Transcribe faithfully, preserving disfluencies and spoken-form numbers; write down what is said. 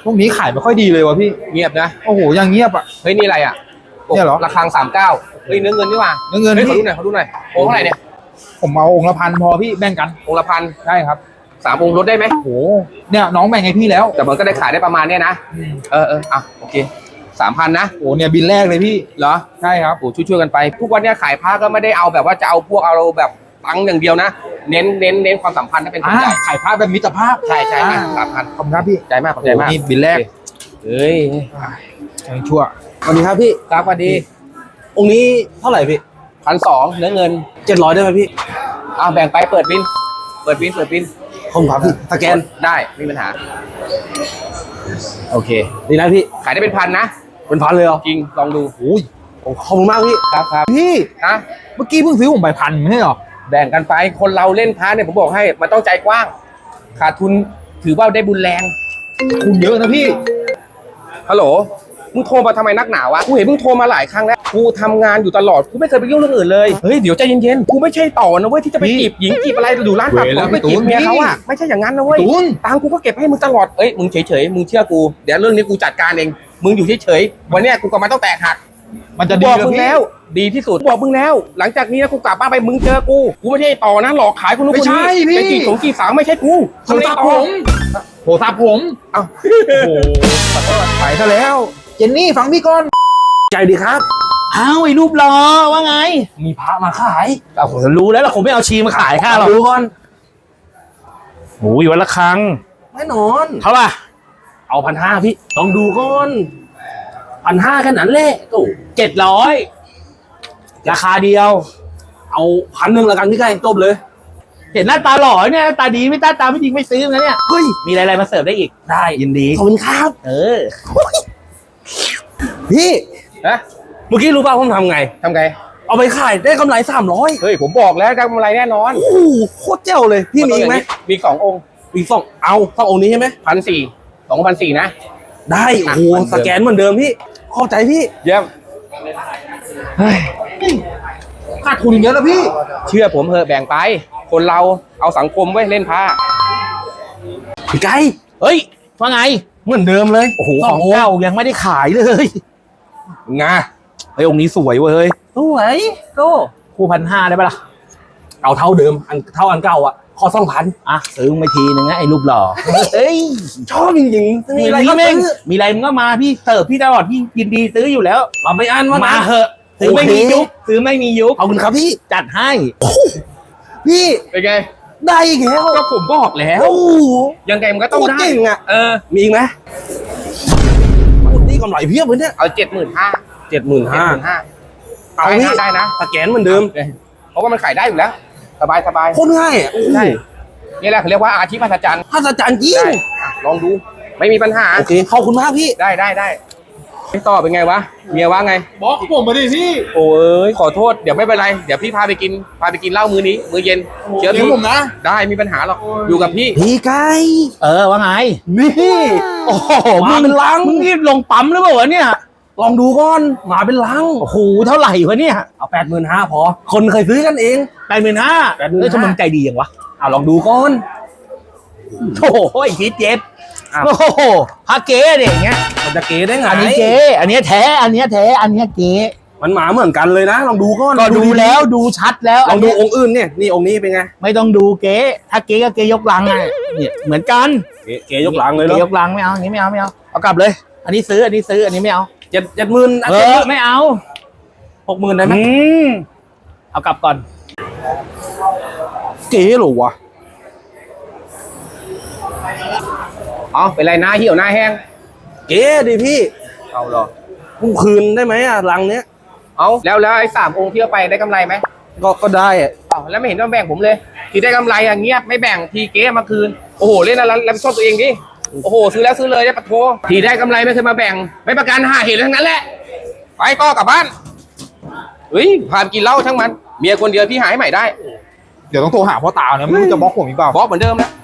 ช่วงนี้ขายไม่ค่อยดีเลยวะพี่เงียบนะโอ้โหยังเงียบอ่ะเฮ้ยนี่อะไรอ่ะเนี่ยเหรอระฆังสามเก้าเฮ้ยเนื้อเงินนี่หว่าเนื้อเงินเฮ้ยขอดูหน่อยขอดูหน่อยองค์เท่าไหร่เนี่ยผมเอาองค์ละพันพอพี่แบ่งกันองค์ละพันได้ครับสามองค์ลดได้ไหมโอ้โหเนี่ยน้องแบ่งให้พี่แล้วแต่มันก็ได้ขายได้ประมาณเนี้ยนะเออเอออ่ะโอเคสามพันนะโอ้เนี่ยบินแรกเลยพี่เหรอใช่ครับโอ้ช่วยช่วยกันไปทุกวันนี้ขายผ้าก็ไม่ได้เอาแบบว่าจะเอาพวกเอาแบบตังค์อย่างเดียวนะเน้นเน้นเน้นความสัมพันธ์ถ้าเป็นคนใหญ่ขายผ้าแบบมิตรภาพใช่ใช่สามพันขอบคุณครับพี่ใจมากขอบใจมากนี่บินแรกเฮ้ยยังชั่วสวัสดีครับพี่ครับสวัสดีองค์นี้เท่าไหร่พี่พันสองเนื้อเงินเจ็ดร้อยได้ไหมพี่อ้าวแบ่งไปเปิดบินเปิดบินเปิดบินผมครับพี่สแกนได้ไม่มีปัญหาโอเคดีนะพี่ขายได้เป็นพันนะเป็นพันเลยเหรอจริงลองดูโอ้ยขอบคุณมากพี่ครับครับพี่นะเมื่อกี้เพิ่งซื้อผมใบพันไม่ใช่หรอแบ่งกันไปคนเราเล่นพาเนี่ยผมบอกให้มันต้องใจกว้างขาดทุนถือว่าได้บุญแรงคุณเยอะนะพี่ฮัลโหลมึงโทรมาทำไมนักหนาวะกูเห็นมึงโทรมาหลายครั้งแล้วกูทำงานอยู่ตลอดกูไม่เคยไปยุ่งเรื่องอื่นเลยเฮ้ยเดี๋ยวใจเย็นๆกูไม่ใช่ต่อนะเว้ยที่จะไปจีบหญิงจีบอะไรอยู่ร้านตัดผมไปจีบเมียเขาอะไม่ใช่อย่างนั้นนะเว้ยตังกูก็เก็บให้มึงตลอดเอ้ยมึงเฉยๆมึงเชื่อกูเดี๋ยวเรื่องนี้กูจัดการเองมึงอยู่เฉยๆวันนี้กูก็มาต้องแตกหักมันจะดีบอกมึงแล้วดีที่สุดบอกมึงแล้วหลังจากนี้นะกูกลับบ้านไปมึงเจอกูกูไม่ใช่ต่อนะหลอกขายคนนู้นคนนี้ไปจีบสงจีบสาวไม่ใช่กูโทรศัพท์ผมโทรศัพท์ผมเอ้าโอ้โหไปซะแล้วเจนนี่ฟังพี่ก่อนใจดีครับอ้าวไอ้รูปหล่อว่าไงมีพระมาขายเอาผมรู้แล้วล่ะผมไม่เอาชีมาขายข้าหรอกดูก่อนโอ้ยวันละครั้งแน่นอนเท่าไหร่เอาพันห้าพี่ลองดูก่อนพันห้าแค่นั้นแหละโอ้เจ็ดร้อยราคาเดียวเอาพันหนึ่งละกันพี่ไก่จบเลยเห็นหน้าตาหล่อเนี่ยตาดีไม่ตาตาไม่ดีไม่ซื้อนะเนี่ยเฮ้ยมีอะไรๆมาเสิร์ฟได้อีกได้ยินดีขอบคุณครับเออพี่นะเมื่อกี้รู้ป่าวผมทำไงทำไงเอาไปขายได้กำไรสามร้อยเฮ้ยผมบอกแล้วได้กำไรแน่นอนโอ้โหโคตรเจ๋วเลยพี่มีไหมมีสององค์มีสองเอาสององค์นี้ใช่ไหมพันสี่สองพันสี่นะได้โอ้โหสแกนเหมือนเดิมพี่ขอบใจพี่เยี่ยมขาดทุนเยอะนะพี่เชื่อผมเถอะแบ่งไปคนเราเอาสังคมไว้เล่นผ้าพี่ไก่เฮ้ยว่าไงเหมือนเดิมเลยโอ้โหของเก่ายังไม่ได้ขายเลยงาไอ้องค์นี้สวยเว้ยสวยโตคู่พันห้าได้ปะล่ะเอาเท่าเดิมอันเท่าอันเก่าอ่ะขอสองพันอ่ะซื้อมาทีนึงนะไอ้รูปหล่อเอ้ยชอบจริงๆมีอะไรก็ซื้อมีอะไรมึงก็มาพี่เสิร์ฟพี่ตลอดพี่ยินดีซื้ออยู่แล้วเราไม่อั้นว่ามาเหอะซื้อไม่มียุคซื้อไม่มียุคขอบคุณครับพี่จัดให้พี่เป็นไงได้อีกแล้วก็ผมบอกแล้วยังไงมันก็ต้องได้จริงอ่ะเออมีอีกไหมนี่กำไรเพียบเลยเนี่ยเอาเจ็ดหมื่นห้าเจ็ดหมื่นห้าเอาได้นะสแกนเหมือนเดิมเพราะว่ามันขายได้อยู่แล้วสบายสบายโคตรง่ายใช่นี่แหละเขาเรียกว่าอาชีพพัฒจันทร์พัฒจันทร์จริงลองดูไม่มีปัญหาโอเคขอบคุณมากพี่ได้ได้ได้พี่ต่อเป็นไงวะเมียว่าไงบอกผมมาดิพี่โอ้ยขอโทษเดี๋ยวไม่เป็นไรเดี๋ยวพี่พาไปกินพาไปกินเหล้ามื้อนี้มื้อเย็นเชื่อผมนะได้มีปัญหาหรอกอยู่กับพี่พี่ไก่เออว่าไงนี่โอ้โหมาเป็นลังมึงรีบลงปั๊มหรือเปล่าวะเนี่ยลองดูก่อนมาเป็นลังโอ้โหเท่าไหร่วะเนี่ยเอาแปดหมื่นห้าพอคนเคยซื้อกันเองแปดหมื่นห้าเฮ้ยทำไมใจดีอย่างวะเอาลองดูก่อนโอ้โหไอ้คิดเจ็บโอ้โหพาเก๋เด็กเงี้ยมันจะเก๋ได้ไงอันนี้เก๋อันนี้แท้อันนี้แท้อันนี้เก๋มันหมาเหมือนกันเลยนะลองดูก่อนก็ดูแล้วดูชัดแล้วลองดูองค์อื่นเนี่ยนี่องค์นี้เป็นไงไม่ต้องดูเก๋ถ้าเก๋ก็เก๋ยกลังไงเนี่ยเหมือนกันเก๋ยกลังเลยเหรอยกลังไม่เอาอันนี้ไม่เอาไม่เอาเอากลับเลยอันนี้ซื้ออันนี้ซื้ออันนี้ไม่เอาเจ็ดเจ็ดหมื่นเออไม่เอาหกหมื่นได้ไหมเอากลับก่อนเก๋หรอวะอ๋อเป็นไรหน้าเหี่ยวหน้าแห้งเก๋ดิพี่เอาหรอกูคืนได้ไหมอ่ะรังเนี้ยเอาแล้วแล้วไอ้สามองค์ที่เอาไปได้กำไรไหมก็ก็ได้อ่ะเอาแล้วไม่เห็นต้องแบ่งผมเลยทีได้กำไรอ่ะเงียบไม่แบ่งทีเก๋มาคืนโอ้โหเล่นอะไรรับผิดชอบตัวเองดิโอ้โหซื้อแล้วซื้อเลยได้ปะโถทีได้กำไรไม่เคยมาแบ่งไม่ประกันหาเหตุทั้งนั้นแหละไปต่อกลับบ้านเฮ้ยพากินเหล้าทั้งมันเมียคนเดียวพี่หายใหม่ได้เดี๋ยวต้องโทรหาพ่อตาเนี่ยไม่รู้จะบล็อกผมอีกเปล่าบล็อกเหมือนเดิมนะ